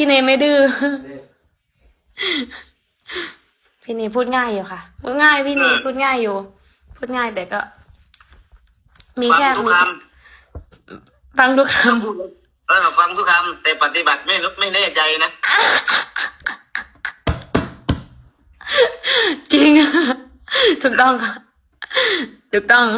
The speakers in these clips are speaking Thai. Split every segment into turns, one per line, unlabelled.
พี่เนไม่ดื้อพี่เนพูดง่ายอยู่ค่ะพูดง่ายพี่เนพูดง่ายอยู่พูดง่ายแต่ก็ มีแค่ฟังทุกคำ
ฟังทุกคำแต่ปฏิบัติไม่แน่ใจนะ
จริงถูกต้องค่ะถูกต้อง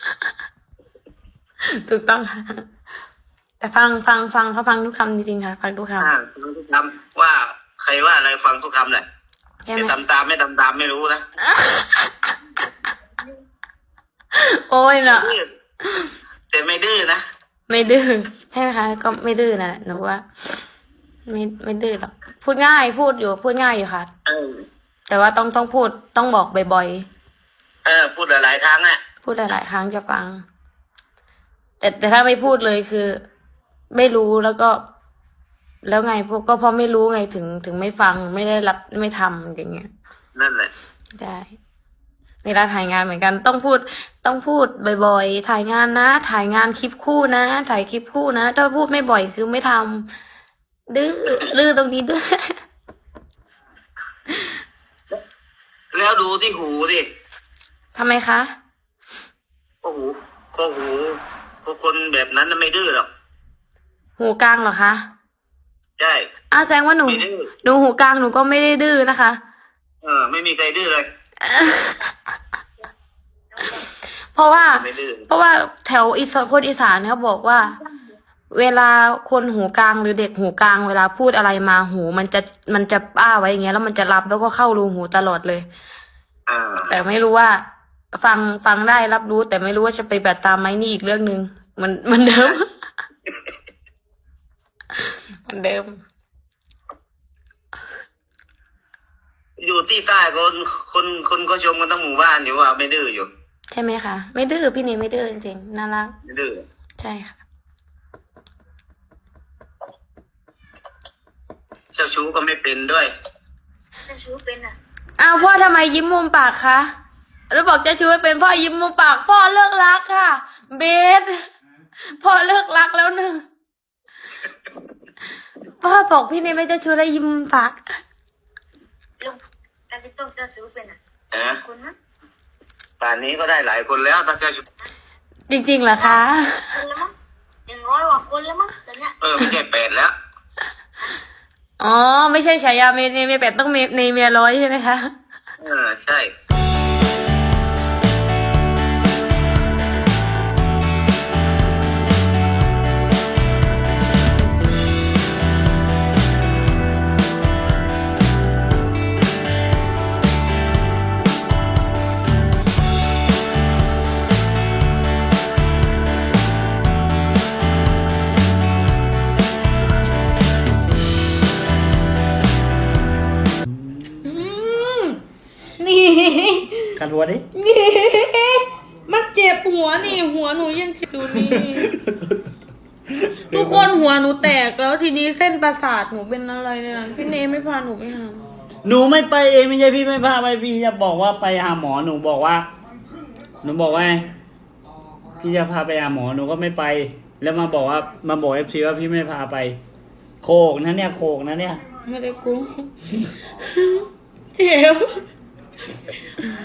ค่ะแต่ฟังเขาฟังทุกคำจริงๆค่ะฟังทุกคำ
ฟังทุกคำว่าใครว่าอะไรฟังทุกคำเลยไม่ทำตามไม่รู้นะ
โอ้ยเนาะ
แต่ไม่ดื้อนะ
ไม่ดื้อใช่ไหมคะก็ไม่ดื้อนะหนูว่าไม่ดื้อหรอกพูดง่ายพูดง่ายอยู่ค่ะแต่ว่าต้องพูดต้องบอกบ่อย
ๆพูดหลายๆครั้ง
พูดหลายๆครั้งจะฟังแต่ถ้าไม่พูดเลยคือไม่รู้แล้วก็แล้วไงพวกก็เพราะไม่รู้ไงถึงไม่ฟังไม่ได้รับไม่ทำอย่างเงี้ย
นั่นแหละ
ได้เวลาถ่ายงานเหมือนกันต้องพูดบ่อยๆถ่ายงานนะถ่ายงานคลิปคู่นะถ่ายคลิปคู่นะถ้าพูดไม่บ่อยคือไม่ทำดื้อตรงนี้ดื้อ
แล้วดูที่หูดิ
ทำไมคะ
หูคนแบบนั้นไม่ดื้อหรอก
หูกลางเหรอคะ
ใช่
แสดงว่าหนูหูกลางหนูก็ไม่ได้ดื้อนะคะ
ไม่มีใครดื้อเลย
เพราะว่าแถวคนอีสานเขาบอกว่าเวลาคนหูกลางหรือเด็กหูกลางเวลาพูดอะไรมาหูมันจะอ้าไว้อย่างเงี้ยแล้วมันจะรับแล้วก็เข้ารูหูตลอดเลยแต่ไม่รู้ว่าฟังได้รับรู้แต่ไม่รู้ว่าจะไปแบบตามไหมนี่อีกเรื่องนึงมันเดิมมันเดิม
อยู่ที่ใต้คนก็ชมกันทั้งหมู่บ้านอยู่ว่าไม่ดื้ออยู่
ใช่ไหมคะไม่ดื้อพี่นี่ไม่ดื้อจริงๆน่ารัก
ไม่ดื้อ
ใช่ค่ะ
เจ้าชู้ก็ไม่เป็นด้วย
เจ้าชู้เป็น
พ่อทำไมยิ้มมุมปากคะแล้วบอกเจ้าชู้เป็นพ่อยิ้มมุมปากพ่อเลิกรักค่ะเบสพ่อเลิกรักแล้วหนึ่งพ่อบอกพี่นี่ไม่เจ้าชู้แล้วยิ้มมุมปาก
ลุงแต่พี่ต้องเจ้าชู้เป็นคนนะ
ป่านนี้ก็ได้หลายคนแล้วถ้าเจ้าชู้
จริงๆเหรอคะ
คนแล้วมั้ง100 กว่าคนแล้วมั้งตอนเนี้ย
ไม่ใช่8แล้ว
ไม่ใช่ฉายาเมย์8ต้องในเมีย100ใช่ไหมคะ
ใช่
ขันหัวดิ
มันเจ็บหัวนี่หัวหนูยังอยู่นี่ทุกคนหัวหนูแตกแล้วทีนี้เส้นประสาทหนูเป็นอะไรเนี่ยพี่เนไม่พาหนูไปหา
หนูไม่ไปเองไม่ใช่พี่ไม่พาไปพี่จะบอกว่าไปหาหมอหนูบอกว่าพี่จะพาไปหาหมอหนูก็ไม่ไปแล้วมาบอกFCว่าพี่ไม่พาไปโคกนะเนี่ยโคกนะเนี่ย
ไม่ได้กุ้งเจ็บ